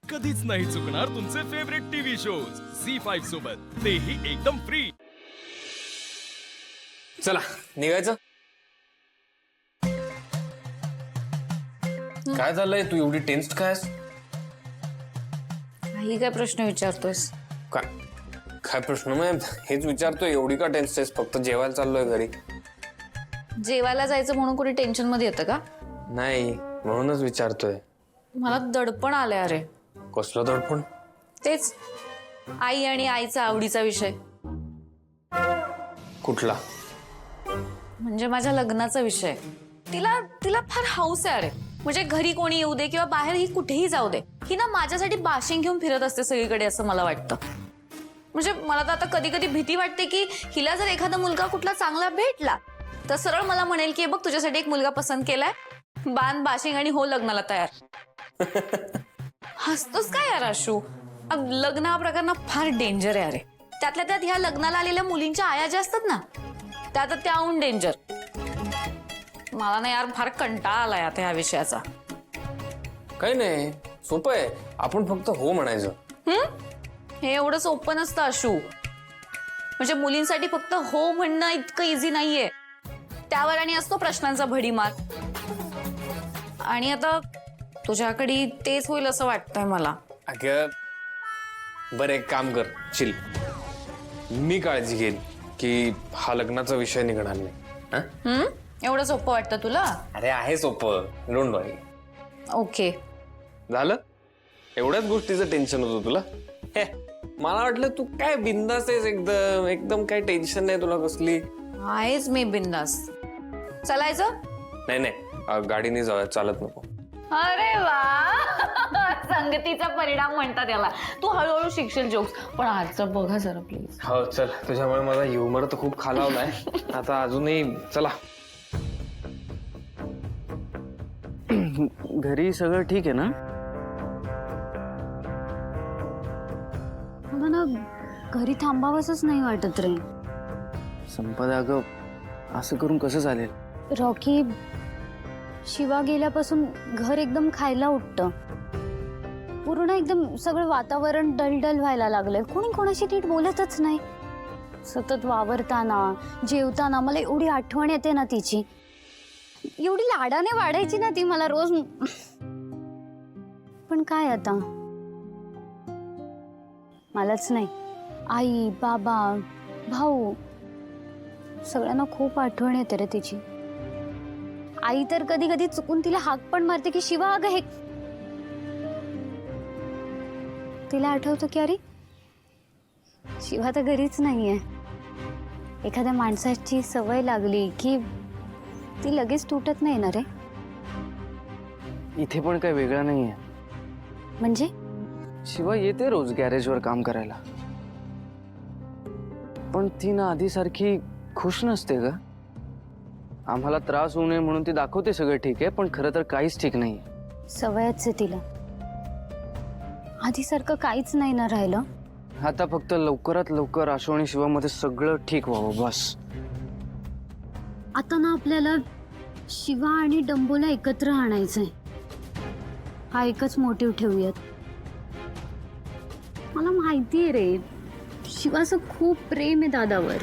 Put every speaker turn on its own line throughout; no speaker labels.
कधीच नाही चुकणार तुमचे फेवरेट टीव्ही शोज झी5 सोबत, तेही एकदम फ्री।
चला निघायचं। काय झालंय, तू एवढी टेन्स्ड काय आहेस?
काही काय प्रश्न विचारतोयस?
काय काय प्रश्न? मग हेच विचारतोय, एवढी का टेन्स्ड आहेस? फक्त जेवायला चाललोय घरी।
जेवायला जायचं म्हणून कोणी टेन्शन मध्ये येतं का?
नाही म्हणूनच विचारतोय।
मला दडपण आलंय। अरे
कसलं दडपण?
तेच आई आणि आईचा आवडीचा विषय,
कुठला?
म्हणजे माझ्या लग्नाचा विषय। तिला तिला फार हौस आहे। अरे म्हणजे घरी कोणी येऊ दे किंवा बाहेर ही कुठेही जाऊ दे, ही ना माझ्यासाठी बाशिंग घेऊन फिरत असते सगळीकडे, असं मला वाटतं। म्हणजे मला तर आता कधी कधी भीती वाटते की हिला जर एखादा मुलगा कुठला चांगला भेटला तर सरळ मला म्हणेल की बघ तुझ्यासाठी एक मुलगा पसंत केलाय, बांध बाशिंग आणि हो लग्नाला तयार। हसतोस काय यार आशू? लग्न हा प्रकार ना फार डेंजर आहे। अरे त्यातल्या त्यात ह्या लग्नाला आलेल्या मुलींच्या आया ज्या असतात ना, त्या तर त्याहून डेंजर। मला ना यार फार कंटाळा आलाय आता ह्या विषयाचा।
काही नाही, सोपं आहे, आपण फक्त हो म्हणायचं।
हे एवढं सोपं नसतं आशू। म्हणजे मुलींसाठी फक्त हो म्हणणं इतकं इझी नाहीये, त्यावर आणि असतो प्रश्नांचा भडीमार। आणि आता तुझ्याकडे तेच होईल असं वाटतंय मला।
अगं बरं, एक काम कर, चिल, मी काळजी घेईन की हा लग्नाचा विषय निघणार नाही। हा?
एवढं सोपं वाटतं तुला?
अरे आहे सोपं, डोंट वरी।
ओके
झालं? एवढ्याच गोष्टीचं टेन्शन होतं तुला? हे मला वाटलं तू काय बिंदास आहेस, एकदम एकदम काय टेन्शन नाही तुला कसली।
आहेच मी बिंदास। चालायचं?
नाही नाही, गाडीने जाऊया, चालत नको।
अरे वा, संगतीचा परिणाम म्हणतात याला। तू हळूहळू शिकशील जोक्स, पण आजचं बघा जरा प्लीज।
हो चल, तुझ्यामुळे माझा ह्युमर तर खूप खालावलाय, आता अजूनही चला।
घरी सगळं ठीक आहे ना?
मला घरी थांबावंसच नाही वाटत रे।
संपदा अगं, असं करून कसं चालेल?
रॉकी, शिवा गेल्यापासून घर एकदम खायला उठतं। पूर्ण एकदम सगळं वातावरण डलडल व्हायला लागलंय। कोणी कोणाशी नीट बोलतच नाही। सतत वावरताना जेवताना मला एवढी आठवण येते ना तिची। एवढी लाडाने वाढायची ना ती मला रोज। पण काय आता, मलाच नाही, आई बाबा भाऊ सगळ्यांना खूप आठवण येते रे तिची। आई तर कधी कधी चुकून तिला हाक पण मारते की शिवा अगं हे। तिला आठवतं की अरे शिवा तर घरीच नाहीये। एखाद्या माणसाची सवय लागली की ती लगेच तुटत नाही ना रे।
इथे पण काही वेगळं नाहीये।
म्हणजे
शिवा येते रोज गॅरेजवर काम करायला, पण ती ना आधीसारखी खुश नसते ग। आम्हाला त्रास होऊ नये म्हणून ती दाखवते सगळं ठीक आहे, पण खरं तर काहीच ठीक नाही।
सवयच आहे तिला, आधीसारखं काहीच नाही ना राहिलं।
आता फक्त लवकरात लवकर आशू आणि शिवामध्ये सगळं ठीक व्हावं बस।
आता ना आपल्याला शिवा आणि डंबोला एकत्र आणायचंय, हा एकच मोटिव्ह ठेवूयात। मला माहितीये रे, शिवाचं खूप प्रेम आहे दादावर।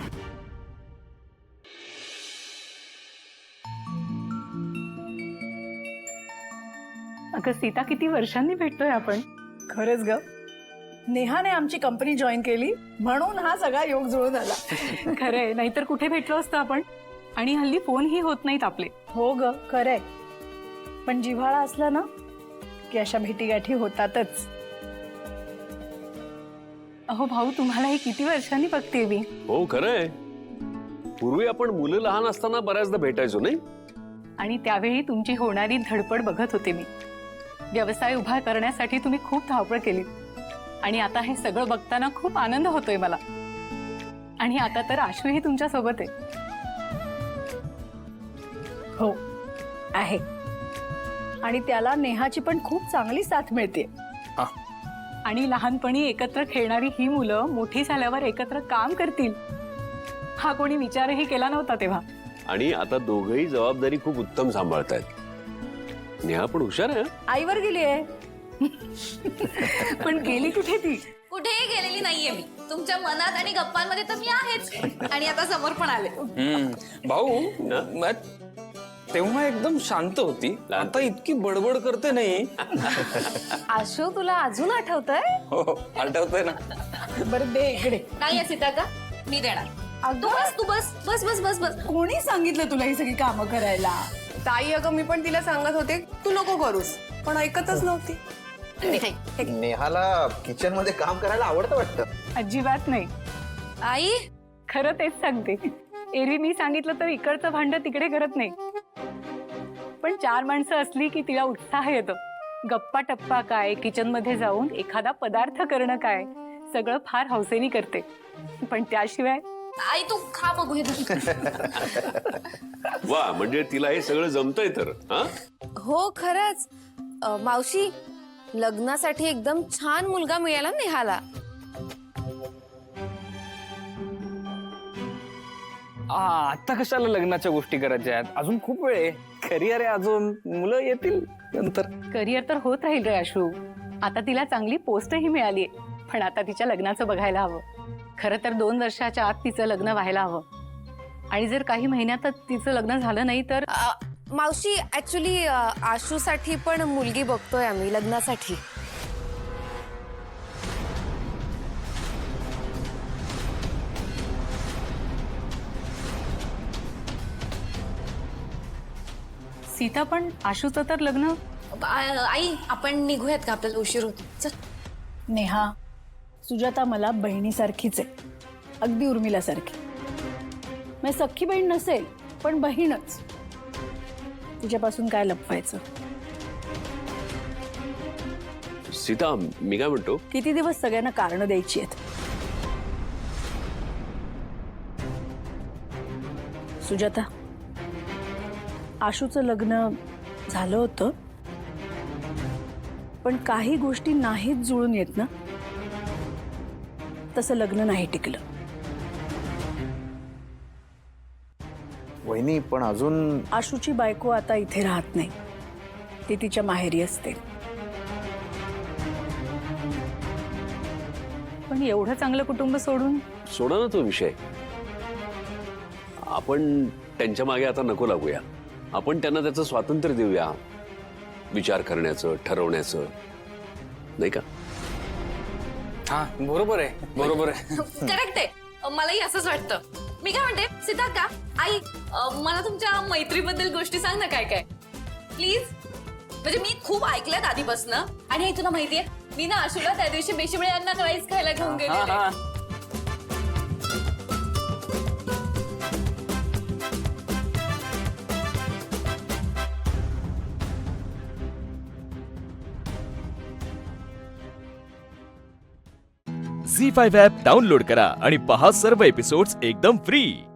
अगं सीता, किती वर्षांनी भेटतोय आपण।
खरंच ग, नेहाने आमची कंपनी जॉईन केली म्हणून हा सगळा योग जुळून आला।
खरंय, नाहीतर कुठे भेटलो असतो आपण। आणि हल्ली फोनही होत नाहीत आपले।
हो ग, खरंय, पण जिव्हाळा असला ना की अशा भेटीगाठी होतातच।
अहो भाऊ, तुम्हाला हे किती वर्षांनी बघते मी।
हो खरंय, पूर्वी आपण मुलं लहान असताना बऱ्याचदा भेटायचो नाही?
आणि त्यावेळी तुमची होणारी धडपड बघत होते मी। व्यवसाय उभा करण्यासाठी तुम्ही खूप धावपळ केली, आणि आता हे सगळं बघताना खूप आनंद होतोय मला। आणि आता तर आशूही तुमच्या सोबत आहे।
हो आहे, आणि त्याला नेहाची पण खूप चांगली साथ मिळते।
आणि लहानपणी एकत्र खेळणारी ही मुलं मोठी झाल्यावर एकत्र काम करतील, हा कोणी विचारही केला नव्हता तेव्हा।
आणि आता दोघंही जबाबदारी खूप उत्तम सांभाळतायत। नेहा पण हुशार आहे।
आईवर गेली आहे।
पण गेली कुठे ती?
कुठेही गेलेली नाहीये मी. तुमच्या मनात आणि गप्पांमध्ये तर मी आहेच आणि आता समोर पण आले.
भाऊ तेव्हा एकदम शांत होती, आता इतकी बडबड करते नाही.
आशू तुला अजून आठवतंय?
हो आठवतंय ना.
बरं दे इकडे.
नाही सीता का मी देणार. तू बस बस बस बस बस बस.
कोणी सांगितलं तुला ही सगळी कामं करायला?
ताई अगं मी पण तिला सांगत होते तू नको करूस, पण ऐकतच नव्हती.
नेहाला किचन मध्ये काम करायला आवडतं वाटतं.
अजिबात नाही.
आई
खरं तेच सांगते. एरवी मी सांगितलं तर इकडचं भांड तिकडे करत नाही, पण 4 माणसं असली की तिला उत्साह येतो. गप्पा टप्पा काय, किचन मध्ये जाऊन एखादा पदार्थ करणं काय, सगळं फार हौसेनी करते. पण त्याशिवाय
आई तू खा बघू हे.
वा, म्हणजे तिला हे सगळं जमतंय तर. हा,
हो खरंच. मावशी, लग्नासाठी एकदम छान मुलगा मिळाला नेहाला.
आता कशाला लग्नाच्या गोष्टी करायच्या आहेत? अजून खूप वेळ आहे. करिअर आहे अजून, मुलं येतील नंतर.
करिअर तर होत राहील रे आशू. आता तिला चांगली पोस्टही मिळालीये, पण आता तिच्या लग्नाचं बघायला हवं. खरं तर 2 वर्षाच्या आत तिचं लग्न व्हायला हवं, आणि जर काही महिन्यातच तिचं लग्न झालं नाही तर
मावशी, ऍक्च्युली आशूसाठी पण मुलगी बघतोय आम्ही लग्नासाठी.
सीता, पण आशूचं तर लग्न.
आई आपण निघूयात का, आपल्याला उशीर होतो. चल.
नेहा, सुजाता मला बहिणीसारखीच आहे, अगदी उर्मिलासारखी. मी सख्खी बहीण नसेल पण बहीणच. तिच्यापासून काय लपवायचं?
सीता, मी काय म्हणतो,
किती दिवस सगळ्यांना कारणं द्यायची आहेत? सुजाता, आशूचं लग्न झालं होतं, पण काही गोष्टी नाहीत जुळून येत ना, तसं लग्न नाही टिकलं.
वहिनी, पण अजून
आशूची बायको आता इथे राहत नाही, ती तिच्या माहेरी असते.
पण एवढं चांगलं कुटुंब सोडून
सोडा ना तो विषय. आपण त्यांच्या मागे आता नको लागूया. आपण त्यांना त्याचं स्वातंत्र्य देऊया, विचार करण्याचं, ठरवण्याचं, नाही का?
हा बरोबर आहे, बरोबर आहे.
करेक्ट आहे. मलाही असंच वाटतं. मी काय म्हणते सीता का आई, मला तुमच्या मैत्रीबद्दल गोष्टी सांग ना, काय काय प्लीज. म्हणजे मी खूप ऐकल्यात आधीपासनं. आणि आई तुला माहितीये, मी ना आशूला त्या दिवशी बेशिबळे यांना राईस खायला घेऊन गेले.
झी5 ॲप डाउनलोड करा आणि पहा सर्व एपिसोड्स एकदम फ्री.